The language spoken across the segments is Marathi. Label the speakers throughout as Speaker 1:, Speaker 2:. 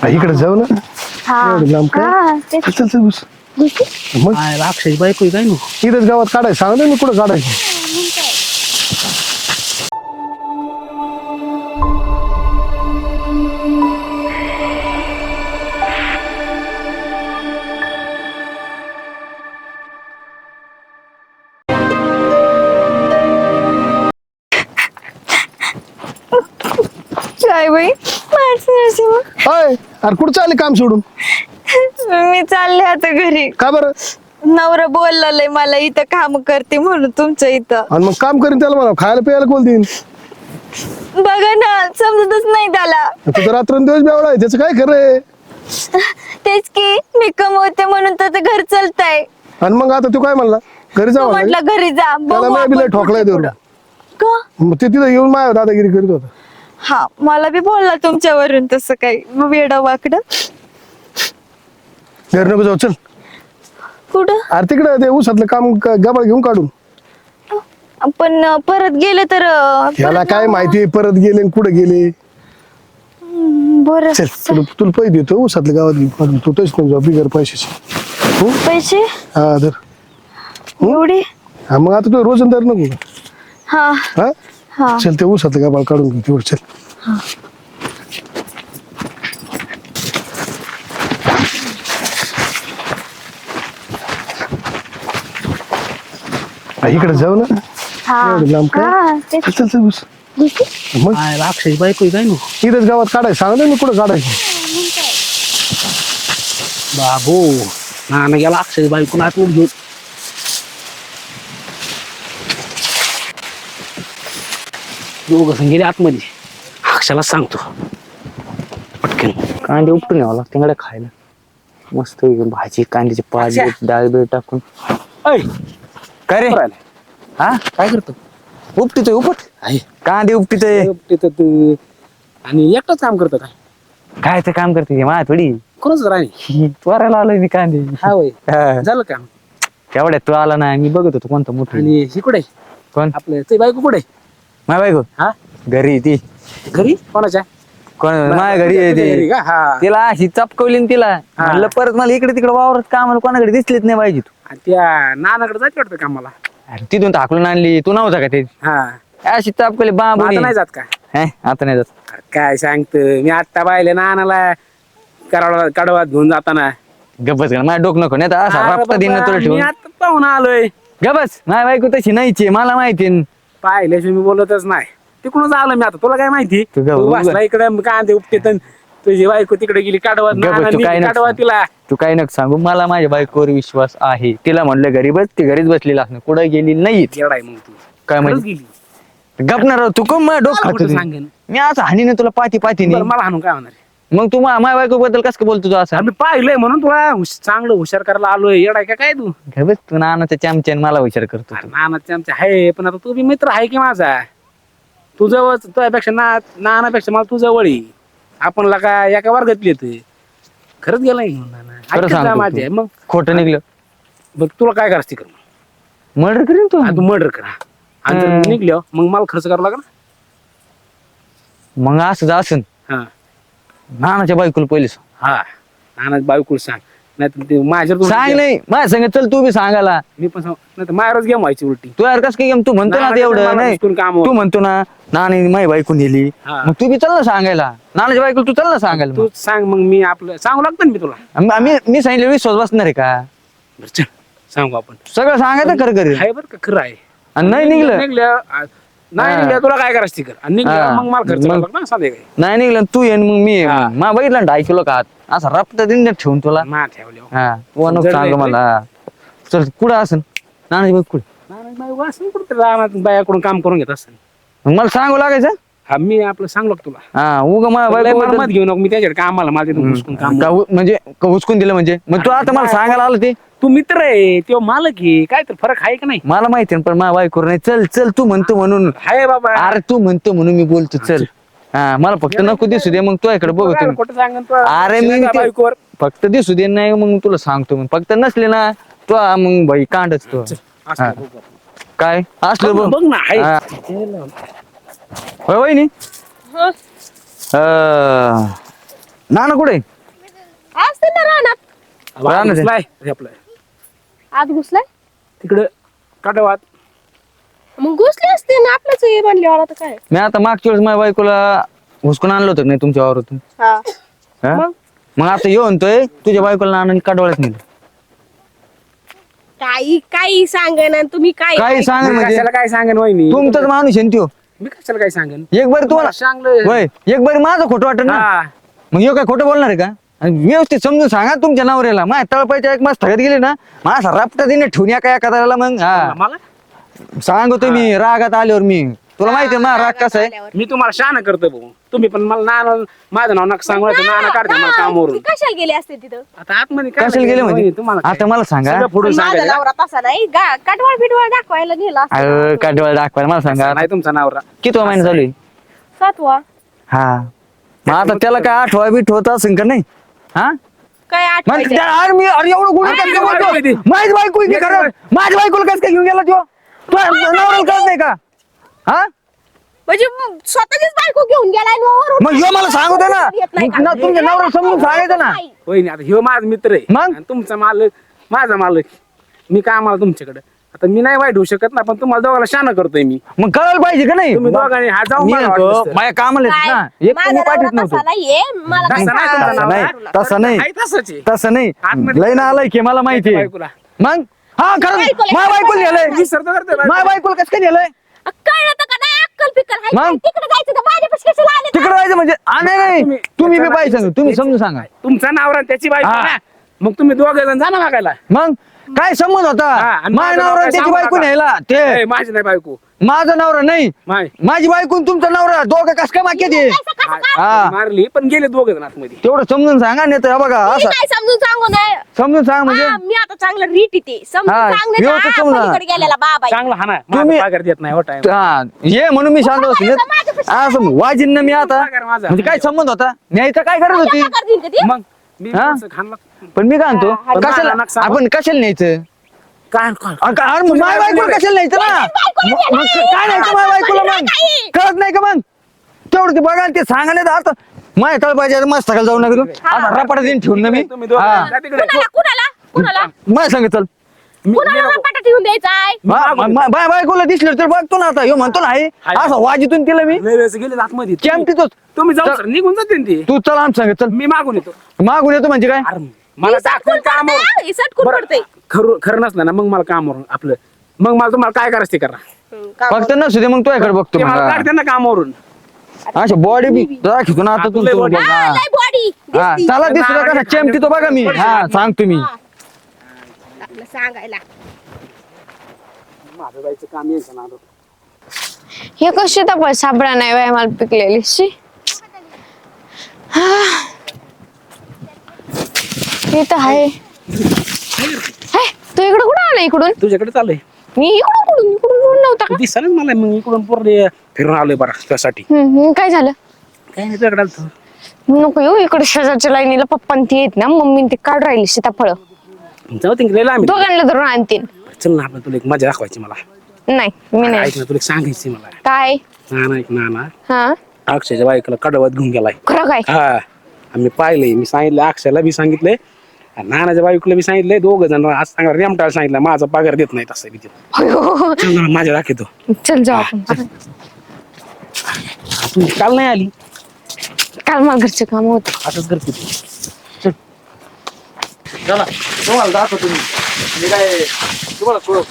Speaker 1: इकडे जाऊ ना. एवढं लांब काय?
Speaker 2: तेच
Speaker 1: चल चल बस. मग
Speaker 3: अक्षय बायको काय नाही
Speaker 1: इथेच गावात काढायचं सांगतो मी कुठं काढायचं.
Speaker 2: काय बाई
Speaker 1: अय अरे कुठं चालले काम सोडून?
Speaker 2: मी चालले आता घरी.
Speaker 1: का बरं?
Speaker 2: नवरा बोललाय मला इथं काम करते म्हणून तुमच्या इथं.
Speaker 1: आणि मग काम करीन त्याला म्हणा खायला प्यायला कोण देईन?
Speaker 2: बघा ना समजतच नाही त्याला.
Speaker 1: तुझं रात्रंदिवस बेवडा आहे त्याचं काय खरं आहे?
Speaker 2: तेच की मी कमवते म्हणून तर घर चालतंय.
Speaker 1: आणि मग आता तू काय म्हणला घरी जाऊ
Speaker 2: म्हटलं घरी जा
Speaker 1: त्याला
Speaker 2: बघू
Speaker 1: मी
Speaker 2: आपण
Speaker 1: बिला ठोकलाय
Speaker 2: पुढे
Speaker 1: देऊन
Speaker 2: पुढं. का?
Speaker 1: मग ते तिथं येऊन माझ्या दादागिरी करीत होता.
Speaker 2: हा मला बी बोलला तुमच्यावरून तसं काही वेडा वाकड.
Speaker 1: घरी नको जाऊ चल.
Speaker 2: कुठं?
Speaker 1: अरे तिकडे ते ऊसातलं काम गबाळ घेऊन काढून.
Speaker 2: पण परत गेले तर
Speaker 1: त्याला काय माहिती परत गेले कुठे गेले.
Speaker 2: बरं
Speaker 1: चल तुला पैसे देतो ऊसातल्या गावात घेऊन काढून तू तोच नको जाऊ बिगर पैशाची.
Speaker 2: पैसे
Speaker 1: हा धर.
Speaker 2: एवढे?
Speaker 1: हा मग आता तू रोजंदार नको का?
Speaker 2: हा
Speaker 1: हा
Speaker 2: हा
Speaker 1: चल ते ऊसातलं गबाळ काढून घे तेवढं चल. इकडे जाऊ ना. एवढं लांब काय?
Speaker 2: तेच
Speaker 1: चल चल बस. मग
Speaker 3: अक्षय बायको काय नाही
Speaker 1: इथेच गावात काढायचं सांगतो मी कुठं काढायचं.
Speaker 3: बाबू ना गेला अक्षय बायको आत घेऊन दोघं गेले आतमध्ये. अक्षयला सांगतो पटकन कांदे उपटून यावं लागतं तिकडे खायला. मस्त भाजी कांद्याची पाच डाळ बीळ टाकून.
Speaker 4: काय रे
Speaker 3: हा काय करतो
Speaker 4: उपटीतोय उपट
Speaker 3: आहे
Speaker 4: कांदे उपटीतोय
Speaker 3: तिथं तू आणि एकटाच काम करतो काय
Speaker 4: काय ते काम करते मा थोडी
Speaker 3: कोणच राणी
Speaker 4: त्वरायला आलोय मी कांदे
Speaker 3: हा होय
Speaker 4: हा.
Speaker 3: झालं काम
Speaker 4: केवढ्यात तू आला ना मी बघत होतो कोणतं मोठं
Speaker 3: आणि ही कुठे
Speaker 4: कोण
Speaker 3: आपलं ते बायको कुठे
Speaker 4: माय बायको
Speaker 3: हा
Speaker 4: घरी ती
Speaker 3: घरी कोणाच्या
Speaker 4: कोण माझ्या घरी आहे
Speaker 3: तुझ्या घरी
Speaker 4: ती
Speaker 3: का? हा
Speaker 4: तिला अशी चपकवली ना तिला म्हणलं परत मला इकडे तिकडे वावरत कामाला कोणाकडे दिसलीच नाही पाहिजे तू
Speaker 3: आणि त्या नानाकडे जायचं वाटतं कामाला
Speaker 4: अरे तिथून टाकून आणली तू नव्हता का ते
Speaker 3: हा
Speaker 4: अशी चपकवली
Speaker 3: मग
Speaker 4: बाबू
Speaker 3: आता नाही जात का
Speaker 4: आता नाही जात
Speaker 3: अरे काय सांगत मी आत्ता पाहिले नानाला कराडा कडवात घेऊन जाताना
Speaker 4: गबस माझ्या डोकं नको नाही तर असा
Speaker 3: अरे
Speaker 4: रापता दिन
Speaker 3: बाबा,
Speaker 4: तुला
Speaker 3: मी
Speaker 4: ठेवून
Speaker 3: आता पाहून आलोय
Speaker 4: गबस माझ्या बायको तशी नाहीची मला माहिती
Speaker 3: पाहिल्याशिवाय मी बोलतच नाही तिकडूनच आलो मी आता तुला काय माहिती
Speaker 4: तू ग-
Speaker 3: तू बसला इकडे कांदे उपटेत अन तुझी बायको तिकडे गेली कडवात
Speaker 4: गबस, तू काय नको
Speaker 3: कडवा तिला
Speaker 4: तू काही नको सांगू मला माझ्या बायकोवर विश्वास आहे तिला म्हणलं घरी बस ती घरीच बसलेली असणं कुठं गेली नाही
Speaker 3: येडा आहे मग तू
Speaker 4: काय
Speaker 3: खरंच
Speaker 4: म्हणजे
Speaker 3: गेली
Speaker 4: गपणार तू कोण माझ्या डोकं
Speaker 3: मला
Speaker 4: खात
Speaker 3: कुठं
Speaker 4: होती?
Speaker 3: सांगेन
Speaker 4: मी असं हानीने तुला पाती पाती
Speaker 3: बरं, मला हाणून काय होणार
Speaker 4: मग तू माझ्या बायको बद्दल कसं काय बोलतो तू असं
Speaker 3: आम्ही पाहिलंय म्हणून तुला चांगलं हुशार करायला आलोय येडा आहे का काय तू
Speaker 4: घे बस तू नानाच्या चमच्यान मला विचार करतो
Speaker 3: अरे नानाचे आमचे आहे पण आता तू बी मित्र आहे की माझा तू जवळ तुझ्यापेक्षा नानापेक्षा मला तू जवळ आहे आपण लका एका वर्गातली येते खरंच गेलाय नाना
Speaker 4: खरं
Speaker 3: ऐकत जा
Speaker 4: सांगतो
Speaker 3: माझे
Speaker 4: तू.
Speaker 3: मग
Speaker 4: खोटं निघलं
Speaker 3: बघ तुला काय करायचं ते कर
Speaker 4: मर्डर करीन तू
Speaker 3: आणि तू मर्डर करा आणि जर निघलं मग मला खर्च करावा लागला
Speaker 4: मग असं असन
Speaker 3: हा
Speaker 4: नानाच्या बायकोला पहिले सांग.
Speaker 3: हा नाना बायकोला सांग नाही ते माझ्यावर
Speaker 4: सांग नाही माझ्या संग चल तू बी सांगायला
Speaker 3: मी पण सांग नाही तर माझ्यावरच गेम व्हायची उलटी
Speaker 4: तू यार कस काय तू म्हणतो ना
Speaker 3: नानाच्या
Speaker 4: ते एवढं
Speaker 3: मला
Speaker 4: नाही
Speaker 3: हुसकून काम होतं.
Speaker 4: तू म्हणतो ना नानी माझी बायको नेली
Speaker 3: हा.
Speaker 4: मग तू बी चल ना सांगायला नानाच्या बायको तू चल ना सांगायला
Speaker 3: तू सांग मग मी आपलं सांगू लागतं ना मी तुला
Speaker 4: मग. मी सांगितलं विश्वास बसणार आहे का
Speaker 3: बरं, चल सांगू आपण
Speaker 4: सगळं सांगायचं खरं खरं
Speaker 3: आहे बरं का खरं आहे
Speaker 4: आणि नाही निघलं
Speaker 3: नाही निघलं तुला काय करायचं ते कर आणि निघलं
Speaker 4: हा.
Speaker 3: मग मला खर्च
Speaker 4: मग-
Speaker 3: करावा लागला ना संध्याकाळी
Speaker 4: नाही निघलं तू येईन मग मी
Speaker 3: हा.
Speaker 4: मा बघितलं ना 2.5 किलो का असा रप्ता दिन ठेवून तुला
Speaker 3: मा ठेवल्या
Speaker 4: हा तू नको
Speaker 3: जड
Speaker 4: सांग
Speaker 3: नाही
Speaker 4: मला चल कुठं असन नानाची बायको कुठे
Speaker 3: नाही बाई वाचून कुठं राहणार बायाकडून काम करून घेत असताना
Speaker 4: मग मला सांगू लागायचं
Speaker 3: हा मी आपलं सांगलो का तुला
Speaker 4: हा उगा माझ्या
Speaker 3: लय मला
Speaker 4: बायको
Speaker 3: मत घेऊ नको मी त्याच्याकडे कामाला मला तिथून घुसकून काम
Speaker 4: म्हणजे हुसकून दिलं म्हणजे मग तू आता मला सांगायला आलं ते
Speaker 3: तू मित्र आहे तेव्हा मालक आहे काय तर फरक आहे का नाही
Speaker 4: मला माहिती आहे, पण माझ्या बायको नाही चल चल तू म्हणतो म्हणून
Speaker 3: हाय बाबा
Speaker 4: अरे तू म्हणतो म्हणून मी बोलतो चल हा मला फक्त नको दिसू दे मग तू इकडे बघतो मी.
Speaker 3: कुठं सांगन तू
Speaker 4: अरे मी
Speaker 3: शिवाय
Speaker 4: ते-
Speaker 3: बायकोवर
Speaker 4: फक्त दिसू दे नाही मग तुला सांगतो मग फक्त नसले ना तू मग भाई कांडच तू
Speaker 3: असं
Speaker 4: हा.
Speaker 3: बघू आपण.
Speaker 4: काय असलं बघ
Speaker 3: बघ ना हाय
Speaker 4: हा. होय वहिनी नाना कुठे
Speaker 5: कुठं राहणार
Speaker 3: राहणार आहे.
Speaker 6: नाही आपलं
Speaker 5: आत घुसलाय
Speaker 6: तिकडं काटवात
Speaker 5: मग घुसले असते ना आपल्याच हे म्हणल्यावर आता काय
Speaker 4: मी आता मागच्या वेळेस माझ्या बायकोला हुसकून आणलं होतं का नाही तुमच्या वावरातून
Speaker 5: हा
Speaker 4: हा?
Speaker 5: मग?
Speaker 4: मग आता येऊ म्हणतोय तुझ्या बायकोला आणून काढवायच नाही
Speaker 5: काही सांगा तुम्ही काय
Speaker 4: काही सांग
Speaker 6: मी
Speaker 4: म्हणजे
Speaker 6: कशाला काय सांगेन वहिनी
Speaker 4: तुमचाच माणूस आहे ना त्यो
Speaker 6: मी कशाला काय सांगेन
Speaker 4: एक बारी तुम्हाला
Speaker 6: सांगलं
Speaker 4: होय एक बारी माझं खोटं वाटत ना
Speaker 6: हा
Speaker 4: मग ह्यो काय खोटं बोलणार आहे का आणि व्यवस्थित समजून सांगा तुमच्या नवऱ्याला माझ्या तळपायच्या एक मास थगत गेले ना माझा रापटा दिने ठेवून या काय एखाद्याला मग हा
Speaker 6: मला
Speaker 4: सांगतो मी रागात आल्यावर मी तुला माहिती आहे माझा राग कसा आहे
Speaker 6: मी तुम्हाला शहाणा करतो भाऊ तुम्ही पण मला नाना माझं नाव नका सांगू नाही तर नाना काढते मला कामावरून
Speaker 5: कशाला गेले असते तिथं
Speaker 6: आता आतमध्ये काय
Speaker 4: कशाला गेले म्हणजे
Speaker 6: तुम्हाला
Speaker 4: आता मला सांगा
Speaker 6: सगळं फोडून
Speaker 5: माझा
Speaker 6: सांगायचं
Speaker 5: नवरा तसा नाही काटवाळ बिटवाळ दाखवायला नेला
Speaker 4: अरे काठवाळ दाखवायला मला सांगा
Speaker 6: नाही तुमचा नवरा
Speaker 4: किती महिना चालू आहे
Speaker 5: 7वा
Speaker 4: हा मग आता त्याला काय आठवा बीठ होत असेल का नाही हा
Speaker 5: काय
Speaker 4: मग
Speaker 5: आठवायचं
Speaker 4: अरे मी अरे एवढं गुन्हा
Speaker 6: अरे
Speaker 4: कसं
Speaker 6: बायको
Speaker 4: बोलतो?
Speaker 6: आहे ती.
Speaker 4: माझी बायको आहे की खरं माझ्या बायकोला कसं काय घेऊन गेला तो नवऱ्याला कळत नाही का हा
Speaker 5: म्हणजे स्वतःचीच बायको घेऊन गेलाय आणि वरून
Speaker 4: मग ह्यो मला सांगू दे ना
Speaker 5: येत नाही का?
Speaker 4: मग ना तुमच्या नवऱ्याला समजून सांगायचं ना
Speaker 6: होईन आता ह्यो माझा मित्र आहे
Speaker 4: मग?
Speaker 6: आणि तुमचा मालक माझा मालक मी कामाला तुमच्याकडे आता मी नाही वाईट होऊ शकत ना पण तुम्हाला दोघांना शहाणा करतोय मी
Speaker 4: मग कळायला पाहिजे का नाही
Speaker 6: तुम्ही दोघांनी हा जाऊन
Speaker 4: मी
Speaker 6: बघा
Speaker 4: म्हणतो,
Speaker 6: वाटलंच तर.
Speaker 4: माझ्या कामाला येत
Speaker 5: काय?
Speaker 4: ना एक
Speaker 5: माझा
Speaker 4: तुम्ही पाठवत
Speaker 5: नवरा
Speaker 4: नव्हतो
Speaker 5: तसा नाहीये मला काय
Speaker 6: तसा नाही तुमचा
Speaker 5: सांगायचं?
Speaker 6: नवरा.
Speaker 4: तसं नाही
Speaker 6: आहे तसंच आहे.
Speaker 4: तसं नाही
Speaker 6: आतमध्ये-
Speaker 4: लय ना आलाय की मला माहिती आहे
Speaker 6: बायकोला.
Speaker 4: मग हा खरं
Speaker 5: बायकोला-
Speaker 4: माझ्या बायकोला नेलंय
Speaker 6: विसरतो करतोय बायकोला.
Speaker 4: माझ्या बायकोला कसं काय नेलंय
Speaker 5: कळलं तर का नाही अक्कल पिक्कल हाय
Speaker 4: मग?
Speaker 5: काय? तिकडे जायचं तर माझ्यापाशी कशाला आले
Speaker 4: तिकडे जायचं म्हणजे नाही
Speaker 6: तुम्ही-
Speaker 4: तुम्ही बी
Speaker 6: त्याच्याला-
Speaker 4: पाहिजे सांगा तुम्ही समजून सांगा
Speaker 6: तुमचा नवरा आणि त्याची बायको
Speaker 4: हा.
Speaker 6: ना मग तुम्ही दोघे जण जा ना मागायला
Speaker 4: मग काय संबंध होता
Speaker 6: हा, आणि
Speaker 4: माझ्या
Speaker 6: माझं नाव
Speaker 4: नवरा
Speaker 6: काय
Speaker 4: त्याची
Speaker 6: सांगू
Speaker 4: बायको
Speaker 6: नका.
Speaker 4: न्यायला ते
Speaker 6: ए, माझी नाही बायको
Speaker 4: माझा नवरा नाही
Speaker 6: माय
Speaker 4: माझी बायको आणि तुमचा नवरा दोघं कस काय वाक्य ते हा
Speaker 6: मारली पण गेले दोघे जण आतमध्ये
Speaker 4: तेवढं समजून सांगा नाही तर बघा
Speaker 5: मी
Speaker 4: असं
Speaker 5: काय समजून सांगू नये
Speaker 4: समजून सांग म्हणजे
Speaker 5: मी आता चांगलं रीट येते समजून
Speaker 4: हा,
Speaker 5: सांगण्याच्या
Speaker 4: व्यवस्थित समजा.
Speaker 5: पलीकडे गेलेला बाबा आहे.
Speaker 6: चांगला हा ना
Speaker 4: तुम्ही-
Speaker 6: माझा पगार देत नाही हो time.
Speaker 4: हा, ये म्हणून मी शांत बसले असं वाजिन ना मी आता
Speaker 6: पगार माझा.
Speaker 4: म्हणजे काय संबंध होता न्यायचं काय करत होती
Speaker 5: पगार देईन का ती?
Speaker 6: मग मी
Speaker 4: हा?
Speaker 6: असं खाल्लं
Speaker 4: पण मी काय म्हणतो
Speaker 6: पण
Speaker 4: कशाला
Speaker 6: मला नका सांगू.
Speaker 4: आपण कशाला न्यायचं
Speaker 6: काय काय
Speaker 4: अरे मग माझ्या बायकोला कशाला न्यायचं ना मग काय न्यायचं माझ्या बायकोला मग कळत नाही का मग तेवढं ते बघा आणि ते सांगा नाही तर आता माझ्या तळ पाहिजे मस्त सकाळ जाऊ नका आता रपाटा देऊन ठेवून ना मी
Speaker 6: तुम्ही दोघं
Speaker 4: हा.
Speaker 6: जा तिकडे.
Speaker 5: कुणाला
Speaker 4: माझ्या सांग चल
Speaker 5: कुणाला रपाटा ठेवून द्यायचाय
Speaker 4: माझ्या बायकोला दिसलं तर बघतो ना आता ह्यो म्हणतो ना आहे असं वाजितून तिला मी
Speaker 6: लय वेळेस गेले आतमध्ये
Speaker 4: चॅम्पितोच
Speaker 6: तुम्ही जाऊ सर निघून जाते ना ती
Speaker 4: तू चल आम सांग चल
Speaker 6: मी मागून येतो
Speaker 4: मागून येतो म्हणजे काय
Speaker 6: अरे मला दाखवून कामावर
Speaker 5: सटकून
Speaker 6: बरं,
Speaker 5: पडते
Speaker 6: खरं नसलं ना मग मला कामावरून आपलं मग मला तुम्हाला काय करायचं ते करा
Speaker 4: फक्त नसू दे मग तुझ्याकडे बघतो
Speaker 6: ते मला
Speaker 4: मग
Speaker 6: काढते ना कामावरून
Speaker 4: अशा बॉडी बी जरा खिचून आता तू
Speaker 6: लय body.
Speaker 5: बॉडी
Speaker 4: हा चला दिसलं का चेमटी तो बघा मी हा सांगतो मी
Speaker 5: आपलं सांगायला
Speaker 6: माझं जायचं काम यायचं ना
Speaker 2: हे कशी तर साबळा नाही बाय मला पिकलेली शी हे तर आहे हे, तू इकडं कुठं आला इकडून
Speaker 6: तुझ्याकडे चाललंय
Speaker 2: मी इकडून नव्हता का
Speaker 6: दिसलं मला मग इकडून पूर्ण फिरून आलोय बरं त्यासाठी
Speaker 2: काय झालं
Speaker 6: काय नाही तुझ्याकडे आलतो.
Speaker 2: नको येऊ इकडे शेजारच्या लाईनीला पप्पा ती येत ना मम्मी ते काढ राहिली सीताफळ
Speaker 6: जाऊ तिकडे आम्ही
Speaker 2: दोघांना धरून आणतील
Speaker 6: चल ना आपण तुला एक मजा दाखवायची मला
Speaker 2: नाही मी नाही
Speaker 6: ऐक ना तुला एक सांगायची मला
Speaker 2: काय
Speaker 6: ना ऐक ना
Speaker 2: हा
Speaker 6: अक्षयच्या बायकोला कडवत घेऊन गेलाय
Speaker 2: खरं काय
Speaker 6: हा आम्ही पाहिलंय मी सांगितलं अक्षयला बी सांगितलंय आणि नानाच्या बायकोला बी सांगितलंय दोघ जण आज सांगा रेमटाला सांगितलं माझा पगार देत नाही तसं बी ते.
Speaker 2: अयो,
Speaker 6: चल ना माझ्या दाखवतो
Speaker 2: चल जाऊ आपण
Speaker 6: तू काल नाही आली
Speaker 2: काल मला घरचे काम होते
Speaker 6: असंच करते तू
Speaker 4: चला तुम्हाला दाखवतो मी काय तुम्हाला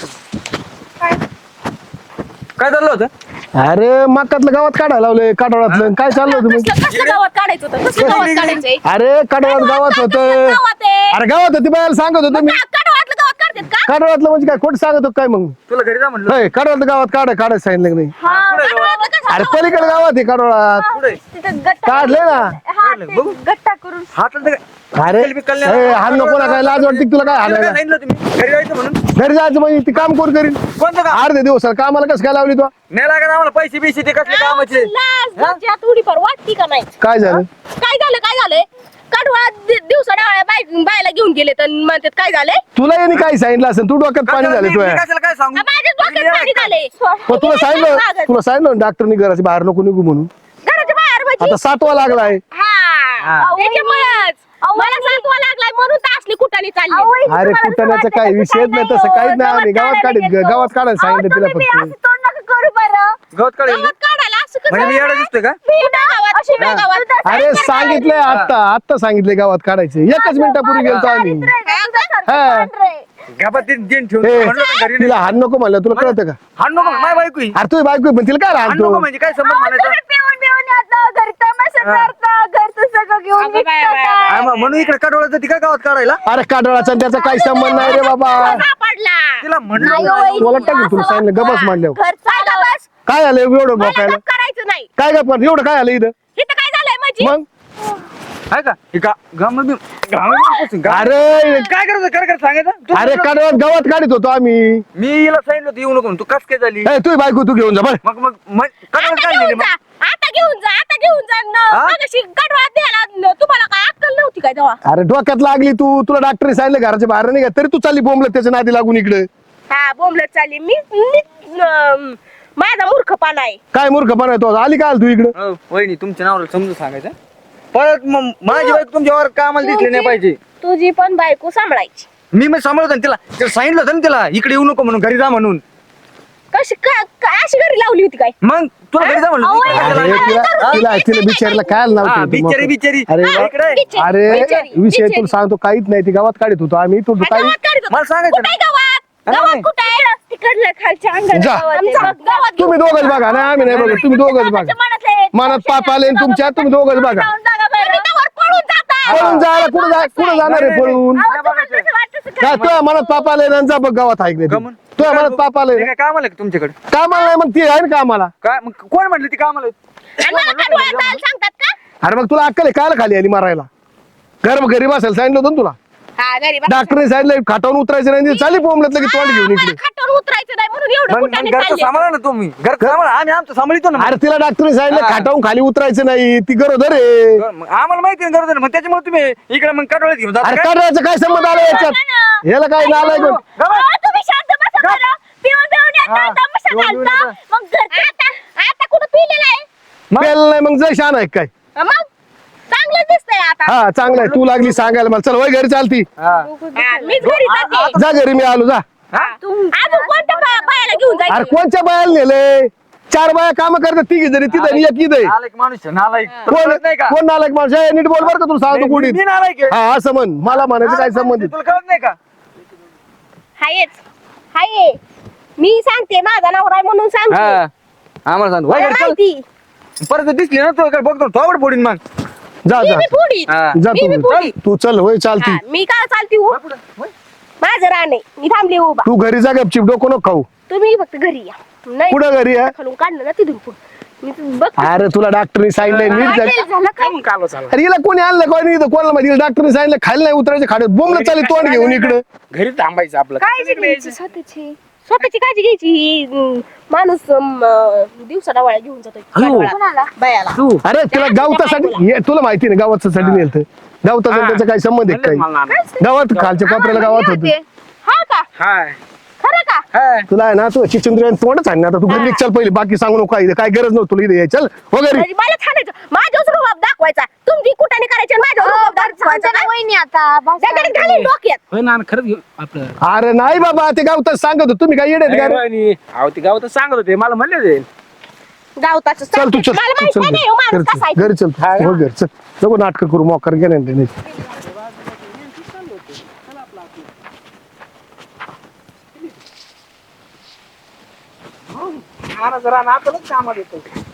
Speaker 4: काय चाललं होतं
Speaker 1: अरे मकातलं गावात काढायला लावलंय काटोळातलं काय चाललं होतं मग
Speaker 5: कसलं गावात काढायचं होतं कसलं गावात काढायचंय
Speaker 1: अरे काटोळात गावात होतं
Speaker 5: गावात आहे
Speaker 1: अरे गावात होती बायला सांगत होतो मी
Speaker 5: काढवातलं गावात काढतात का
Speaker 1: काटोळातलं म्हणजे काय खोट सांगत होतो काय मग
Speaker 4: तुला घरी जा म्हणलं
Speaker 1: होय काटोळातलं गावात काढायचं सांगितलं की नाही
Speaker 5: काढवातलं कसं?
Speaker 1: अरे पलीकडे गावात आहे काटोळात
Speaker 5: तिथं गट्टा
Speaker 1: काढले ना
Speaker 5: हा, ते गट्टा करून
Speaker 4: हात
Speaker 1: अरे ए, हाल नको ना काय लाज वाटते का तुला काय हालायला
Speaker 4: सांगितलं तुम्ही घरी जायचं म्हणून
Speaker 1: घरी जायचं म्हणजे ती काम कोण करीन
Speaker 4: कोणतं काम
Speaker 1: अर्धे दिवस कामाला कसं काय लावली तू
Speaker 4: नाही लागत आम्हाला पैसे बिसे ते कसले कामाचे
Speaker 5: लाज लज्जा थोडीफार वाटती का नाही
Speaker 1: काय झालं
Speaker 5: काय झालंय काढवा दिवसा डावळ्या बायला घेऊन गेले तर म्हणतात काय झालंय
Speaker 1: तुला यांनी काय सांगितलं असेल तू डोक्यात पाणी झालं
Speaker 4: मी
Speaker 1: तुझ्या
Speaker 4: कशाला काय सांगू
Speaker 5: माझ्या डोक्यात पाणी झालंय
Speaker 1: मग तुला सांगितलं डॉक्टरनी घराच्या बाहेर नको निघू म्हणून
Speaker 5: घराच्या बाहेर म्हणजे
Speaker 1: आता 7वा लागलाय
Speaker 5: हा त्याच्यामुळेच मला सांगवा लागलाय म्हणून तर असली कुठाने चालली
Speaker 2: अहो, वहिनी,
Speaker 1: अरे
Speaker 2: तुम्हाला
Speaker 1: कुठल्याचं
Speaker 2: असं
Speaker 1: काही
Speaker 2: वाटतं
Speaker 1: विषयच
Speaker 2: का
Speaker 1: नाही
Speaker 2: काय
Speaker 1: तसं
Speaker 2: हो?
Speaker 1: काहीच नाही आम्ही गावात
Speaker 2: काढायला
Speaker 1: काढायला
Speaker 2: गेलो.
Speaker 1: गावात सांगितलं तिला
Speaker 2: तुम्ही
Speaker 1: फक्त
Speaker 2: असं तोंड नका करू बरं.
Speaker 4: गवत काढेल
Speaker 5: गवत काढायला असं कसं
Speaker 4: म्हणजे मी येडा दिसतोय का
Speaker 2: मी गावात अशी
Speaker 5: कुठं गावात?
Speaker 1: अरे सांगितलंय आता सांगितलंय गावात काढायचं एकच मिनिटापूर्वी गेलतो आम्ही हा.
Speaker 4: गावात दिन ठेवून
Speaker 1: ए,
Speaker 4: म्हणलं होतं घरी
Speaker 1: तिला हाण नको म्हणलं तुला कळतं का
Speaker 4: हाण नको माय बायको ही.
Speaker 1: अरे तुझी बायको आहे, पण तिला काय
Speaker 4: हाण
Speaker 1: राहतो
Speaker 4: नको म्हणजे काय संबंध म्हणायचा
Speaker 2: पिऊन येतं घरी तमाशा करता घरचं सगळं घेऊन
Speaker 5: अगं बाय,
Speaker 2: निघतं
Speaker 5: बाय,
Speaker 2: काय?
Speaker 4: हा, मग म्हणून इकडे काढवलं ती काय गावात काढायला
Speaker 1: अरे काढवाचा त्याचा काही संबंध नाही रे बाबा
Speaker 5: पडला
Speaker 4: तिला म्हणलं
Speaker 2: नाही हो,
Speaker 4: होतं.
Speaker 2: वहिनी,
Speaker 1: तुला टाकेल तुला
Speaker 2: असं
Speaker 1: सांगितलं गबस मांडल्यावर
Speaker 2: घर चाललं बस.
Speaker 1: काय झालं एवढं
Speaker 5: मला
Speaker 1: बोकायला
Speaker 5: गप करायचं नाही
Speaker 1: काय का पण एवढं काय आलं इथं
Speaker 5: इथं काय झालंय माझी
Speaker 1: मग
Speaker 4: आहे का हे गावामध्ये
Speaker 1: अरे
Speaker 4: काय करायचं कर सांगायचं तू-
Speaker 1: अरे काढवात गावात काढत होतो आम्ही
Speaker 4: मी हिला सांगितलं होतं येऊ नको म्हणून. तू कस काय झाली
Speaker 1: ए, तुझी बायको तू घेऊन जा बरं
Speaker 4: काढवत
Speaker 5: आता
Speaker 4: काढलेली
Speaker 5: घेऊन
Speaker 4: मग
Speaker 5: जा आता घेऊन जा
Speaker 4: हा?
Speaker 5: मगाशी गडवात द्यायला तुम्हाला काय अक्कल नव्हती काय तेव्हा
Speaker 1: अरे डोक्यात लागली तू तुला डॉक्टरने सांगितलं घराच्या बाहेर नाही का तरी तू चालली बोंबलत त्याच्या नादी लागून इकडे
Speaker 5: हा बोंबलत चालली माझा मूर्खपणा आहे
Speaker 1: काय मूर्खपणा आहे तो आली काय तू इकडे
Speaker 4: हो, वहिनी तुमच्या नावाला समजून सांगायचं परत मग माझी बायको तुमच्यावर कामाला दिसली नाही पाहिजे
Speaker 5: तुझी पण बायको सांभाळायची
Speaker 4: मी मग सांभाळत तिला तिला सांगितलं होतं ना तिला इकडे येऊ नको म्हणून घरी जा म्हणून
Speaker 5: कशी अशी घरी लावली होती काय
Speaker 4: मग तुला घरी जा म्हणलं
Speaker 1: अरे तिला बिचारीला काय नाव
Speaker 4: हा,
Speaker 1: ठेवतो
Speaker 4: बिचारी
Speaker 1: मग?
Speaker 4: बिचारी
Speaker 1: अरे
Speaker 4: हा, इकडे आहे.
Speaker 5: बिचारी,
Speaker 1: अरे
Speaker 5: बिचारी,
Speaker 1: विषय
Speaker 5: बिचारी.
Speaker 1: तुला सांगतो काहीच नाही ती गावात काढत होतो आम्ही तू काही
Speaker 5: गावात काढत होता.
Speaker 4: मला सांगायचं
Speaker 5: कुठे गावात
Speaker 4: नाही.
Speaker 5: गावात कुठे आहे तिकडलं खालच्या अंगाला
Speaker 1: जा.
Speaker 5: गावात आहे. गावात
Speaker 1: तुम्ही दोघच बघा ना आम्ही नाही बघत तुम्ही दोघच बघा मनात पाप आले आणि तुमच्या तुम्ही दोघच बघा
Speaker 5: पळून जाता
Speaker 1: पळून जायला कुठं जाणार आहे पळून काय तुझ्या मनात पाप आले ना जा बघ गावात ऐक
Speaker 4: का
Speaker 1: नाही
Speaker 4: म्हण?
Speaker 1: तुझ्या मनात पाप आले
Speaker 4: ते काय कामाला आहे का तुमच्याकडे
Speaker 1: कामाला नाही मग ती आहे ना कामाला
Speaker 4: काय मग कोण म्हटलं ती कामाला आहे?
Speaker 5: आणि मला कडवं जायला सांगतात का
Speaker 1: अरे मग तुला अक्कल आहे कायला खाली आली मारायला घरी बसायला सांगितलं होतं ना तुला
Speaker 5: हा घरी बस.
Speaker 1: डॉक्टरने सांगितलं खाटावून उतरायचं नाही चाली बोंबलत की तोंड घेऊन इकडे
Speaker 5: खाटावर उतरायचं नाही म्हणून एवढं
Speaker 4: मग
Speaker 5: कुठाने
Speaker 4: घरचं
Speaker 5: चालले
Speaker 4: सांभाळा ना तुम्ही घर सांभाळा आम्ही आमचं सांभाळतो ना
Speaker 1: अरे तिला डॉक्टरने सांगितलं
Speaker 4: हा.
Speaker 1: खाटावून खाली उतरायचं नाही ती गरोदर आहे
Speaker 4: मग आम्हाला माहिती आहे गरज मग त्याच्यामुळे तुम्ही इकडे मग कडवळत घेऊन जाता
Speaker 1: अरे
Speaker 4: काय?
Speaker 1: काढायचं काय संबंध आला याच्यात याला काय नालाय कोण
Speaker 5: अहो, तुम्ही शांत बसा बरं. पिऊन
Speaker 4: हा,
Speaker 5: येता, तमाशा
Speaker 4: पिऊन
Speaker 5: घालता.
Speaker 4: येता.
Speaker 5: मग आता कुठं पिलेलं आहे
Speaker 4: मग?
Speaker 1: पेल नाही मग जय शान आहे काय
Speaker 5: मग चांगलं दिसतंय आता
Speaker 1: हा चांगलं आहे तू लागली सांगायला मला चल वय घरी चालती
Speaker 4: हा.
Speaker 5: हा, मीच घरी जाते
Speaker 1: जा घरी मी आलो जा
Speaker 5: अजून कोणत्या बायाला घेऊन
Speaker 1: अरे
Speaker 5: जायचं
Speaker 1: कोणच्या बायाला नेले 4 बाया काम करतात तिघी जरी तिथं आणि एक इथं आहे.
Speaker 4: नालायक माणूस आहे, नालायक
Speaker 1: कोण
Speaker 4: कळत नाही का
Speaker 1: कोण नालायक माणूस आहे? नीट बोल बरं का तुला सांगतो
Speaker 4: मी-
Speaker 1: गुढीत
Speaker 4: मी नालायक आहे.
Speaker 1: हा असं म्हण मला म्हणायचं काय संबंध
Speaker 4: तुला कळत नाही का
Speaker 5: हाय मी सांगते माझा नवरा आहे म्हणून सांगते
Speaker 4: हा आम्हाला सांग
Speaker 5: मला माहिती
Speaker 4: परत दिसली ना तू काय बघतो थोबड फोडीन मग
Speaker 1: जा
Speaker 5: मी
Speaker 1: जा
Speaker 5: बी फोडीन.
Speaker 4: हा.
Speaker 1: जा
Speaker 5: मी बी
Speaker 1: तू
Speaker 5: फोडीन.
Speaker 1: तू चल होय चालती
Speaker 5: हा, मी काय चालते हो माझं रान आहे मी थांबले उभा
Speaker 1: तू घरी जा गपचिप डोकं नको खाऊ
Speaker 5: तुम्ही फक्त घरी या नाही
Speaker 1: कुठं घरी आहे
Speaker 5: खालून काढलं ना तिथून पुढं. मी बघ
Speaker 1: अरे तुला डॉक्टरने सांगितलंय नीट जा.
Speaker 5: झालं काय
Speaker 6: कालो चालला
Speaker 1: अरे हिला कोणी आणलं कोणी इथं कोणाला माहिती डॉक्टरने सांगितलं खाली नाही उतरायचं खाड्यात बोंबलं चालेल तोंड घेऊन इकडं
Speaker 6: घरी थांबायचं आपलं
Speaker 2: काळजी घ्यायची स्वतःची
Speaker 5: स्वतःची काळजी घ्यायची ही माणूस दिवसा डवाळ्या घेऊन जातो
Speaker 2: कोणाला?
Speaker 5: बायाला
Speaker 1: अरे तुला गावतासाठी तुला माहिती नाही गावासाठी नेलत गावतासाठी त्याचा काही संबंध आहे काही गावात खालच्या कोपऱ्याला गावात होत
Speaker 2: होते.
Speaker 5: हा का
Speaker 6: हाय
Speaker 5: खरं का
Speaker 6: हाय
Speaker 1: तुला आहे ना तू चिचंद्र तोंडच आहे ना आता तू घरी निघ, चल पहिले बाकी सांगू नको काय गरज नव्हती तुला इथे यायची. चल वगैरे
Speaker 5: म्हणजे मला छानायचं माझ्याच रुबाब दाखवायचा तुमची कुठाने करायची आणि माझ्यावर रुबाब दाखवायचा
Speaker 2: आमच्या
Speaker 5: का?
Speaker 2: वहिनी आता बस
Speaker 5: त्याकडे घालीन डोक्यात
Speaker 6: होय ना खरंच घेऊ आपलं
Speaker 1: अरे नाही बाबा ते गावताच सांगत होतो तुम्ही काय येडे का रे?
Speaker 6: वहिनी, अहो ते गावातच सांगत होते मला म्हणले ते
Speaker 5: गावताच
Speaker 1: चल तू चल
Speaker 5: मला
Speaker 1: तू
Speaker 5: माहित
Speaker 1: चल
Speaker 5: नाही हो माणूस
Speaker 1: घरी
Speaker 5: कसा आहे.
Speaker 1: चल. घरी चल तू. हो घरी चल नको नाटक करू मोकर गेले नाही
Speaker 6: जरा नातलंच कामात येतो